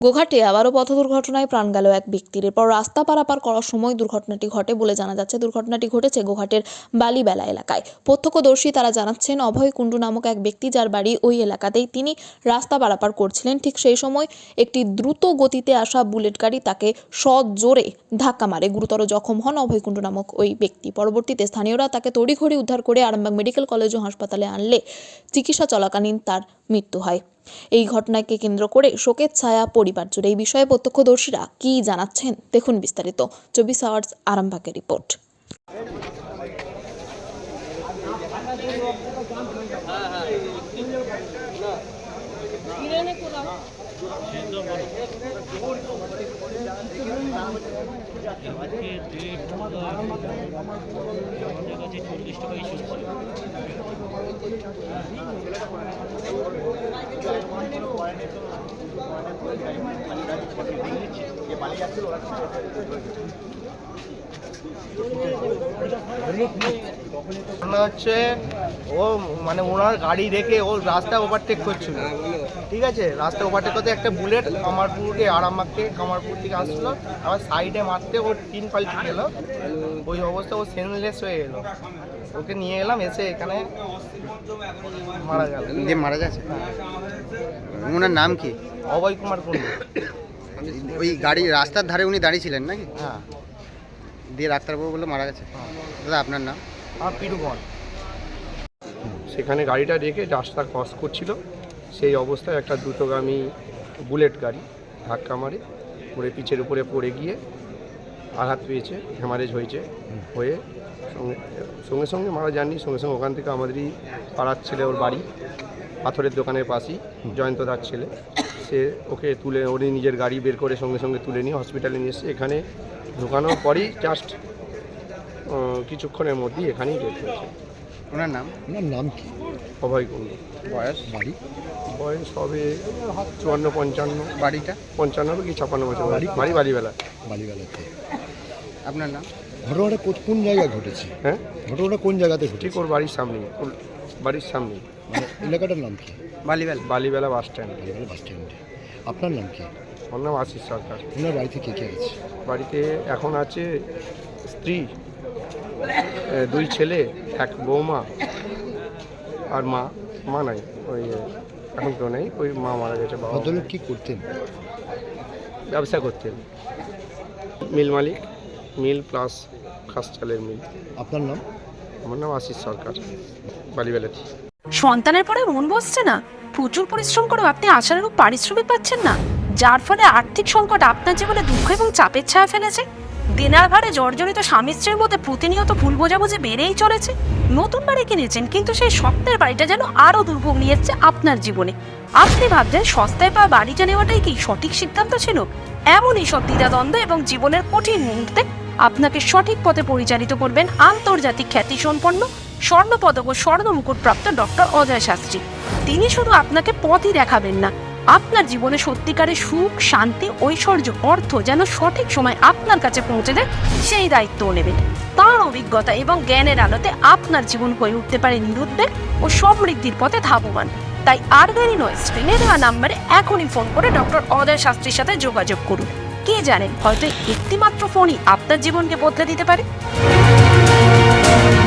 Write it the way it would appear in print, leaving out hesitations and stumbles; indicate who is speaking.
Speaker 1: গোঘাটে আবারও পথ দুর্ঘটনায় প্রাণ গেল এক ব্যক্তির। এরপর রাস্তা পারাপার করার সময় দুর্ঘটনাটি ঘটে বলে জানা যাচ্ছে। দুর্ঘটনাটি ঘটেছে গোঘাটের বালিবেলা এলাকায়। প্রত্যক্ষদর্শী তারা জানাচ্ছেন, অভয় কুণ্ডু নামক এক ব্যক্তি, যার বাড়ি ওই এলাকাতেই, তিনি রাস্তা পারাপার করছিলেন। ঠিক সেই সময় একটি দ্রুত গতিতে আসা বুলেট গাড়ি তাকে সজোরে ধাক্কা মারে। গুরুতর জখম হন অভয় কুণ্ডু নামক ওই ব্যক্তি। পরবর্তীতে স্থানীয়রা তাকে তড়িঘড়ি উদ্ধার করে আরামবাগ মেডিকেল কলেজ ও হাসপাতালে আনলে চিকিৎসা চলাকালীন তার মৃত্যু হয়। এই ঘটনাকে কেন্দ্র করে শোকের ছায়া পরিবার জুড়ে। এই বিষয়ে প্রত্যক্ষদর্শীরা কি জানাচ্ছেন দেখুন বিস্তারিত। 24 আওয়ার্স আরামবাগের রিপোর্ট।
Speaker 2: হচ্ছে ও মানে ওনার গাড়ি রেখে ও রাস্তা ওভারটেক করছিল, ঠিক আছে। রাস্তা ওভারটেক করতে একটা বুলেট কামারপুরকে কামারপুর থেকে আসছিল, আবার সাইডে মারতে ওর 3 পাল্টি গেল। ওই অবস্থা ও সেনলেস হয়ে গেল। ওকে নিয়ে এলাম, এসে এখানে মারা গেল।
Speaker 3: মারা গেছে। ওনার নাম কি?
Speaker 2: অভয় কুমার কুণ্ডু।
Speaker 3: ওই গাড়ি রাস্তার ধারে উনি দাঁড়িয়েছিলেন নাকি?
Speaker 2: হ্যাঁ।
Speaker 3: দিয়ে ডাক্তারবাবু বললো মারা গেছে। দাদা আপনার নাম?
Speaker 2: আমার পিরুগণ।
Speaker 4: সেখানে গাড়িটা রেখে রাস্তা ক্রস করছিল, সেই অবস্থায় একটা দ্রুতগামী বুলেট গাড়ি ধাক্কা মারে, পড়ে পিচের উপরে পড়ে গিয়ে আঘাত পেয়েছে, হ্যামারেজ হয়েছে। হয়ে সঙ্গে সঙ্গে মারা যাননি, সঙ্গে সঙ্গে ওখান থেকে আমাদেরই পাড়ার ছেলে, ওর বাড়ি পাথরের দোকানের পাশেই, জয়ন্ত দার ছেলে, সে ওকে তুলে ওর নিজের গাড়ি বের করে সঙ্গে সঙ্গে তুলে নিয়ে হসপিটালে নিয়ে এসে এখানে ঢোকানোর পরই জাস্ট কিছুক্ষণের মধ্যেই এখানেই ডেথ হয়েছে।
Speaker 3: ওনার নাম কি?
Speaker 4: অভয় কুণ্ডু। বয়স হবে 54-55।
Speaker 3: বাড়িটা?
Speaker 4: 55 কি 56 বছর। বাড়ি বালিবেলাতে।
Speaker 3: আপনার নাম?
Speaker 5: ঘটনাটা কোন জায়গায় ঘটেছে?
Speaker 4: হ্যাঁ,
Speaker 5: ঘটনাটা কোন জায়গাতে ঘটেছে?
Speaker 4: ঠিক ওর বাড়ির সামনেই, ওর বাড়ির সামনেই।
Speaker 5: মানে এলাকাটার নাম কি?
Speaker 4: বালিবেলা বাস স্ট্যান্ড।
Speaker 5: বাস স্ট্যান্ডে। আপনার নাম কি?
Speaker 4: ওর নাম আশিস সরকার।
Speaker 5: ওনার বাড়িতে কে কে আছে?
Speaker 4: বাড়িতে এখন আছে স্ত্রী, 2 ছেলে, 1 বৌমা আর মা নাই, ওই এখন তো নেই, ওই মা মারা গেছে। বাবা
Speaker 5: ভদ্রলোক কি করতেন?
Speaker 4: ব্যবসা করতেন, মিল মালিক, মিল প্লাস খাস চালের মিল।
Speaker 5: আপনার নাম?
Speaker 4: আমার নাম আশিস সরকার, বালিবেলাতে।
Speaker 6: সন্তানের পরে মন বসছে না, প্রচুর পরিশ্রম করেও আপনি আশানুরূপ পারিশ্রমিক পাচ্ছেন না, যার ফলে আর্থিক সংকট আপনার জীবনে দুঃখ এবং চাপের ছায়া ফেলেছে। দেনার ভারে জর্জরিত স্বামী স্ত্রীর মধ্যে প্রতিনিয়ত ভুল বোঝাবুঝি বেড়েই চলেছে। নতুন বাড়ি কিনেছেন, কিন্তু সেই স্বপ্নের বাড়িটা যেন আরও দুর্ভোগ নিয়ে এসছে আপনার জীবনে। আপনি ভাবছেন সস্তায় পাওয়া বাড়িটা নেওয়াটাই কি সঠিক সিদ্ধান্ত ছিল? এমনই সব দ্বিধাদ্বন্দ্ব এবং জীবনের কঠিন মুহূর্তে আপনাকে সঠিক পথে পরিচালিত করবেন আন্তর্জাতিক খ্যাতিসম্পন্ন স্বর্ণপদক ও স্বর্ণ মুকুটপ্রাপ্ত ডক্টর অজয় শাস্ত্রী। তিনি শুধু আপনাকে পথই দেখাবেন না, আপনার জীবনে সত্যিকারের সুখ, শান্তি, ঐশ্বর্য, অর্থ যেন সঠিক সময় আপনার কাছে পৌঁছে দেয়, সেই দায়িত্বও নেবেন। তাঁর অভিজ্ঞতা এবং জ্ঞানের আলোতে আপনার জীবন হয়ে উঠতে পারে নিরুদ্বেগ ও সমৃদ্ধির পথে ধাবমান। তাই আর দেরি নয়, স্ক্রিনে দেওয়া নাম্বারে এখনই ফোন করে ডক্টর অজয় শাস্ত্রীর সাথে যোগাযোগ করুন। কে জানেন, হয়তো একটি মাত্র ফোনই আপনার জীবনকে বদলে দিতে পারে।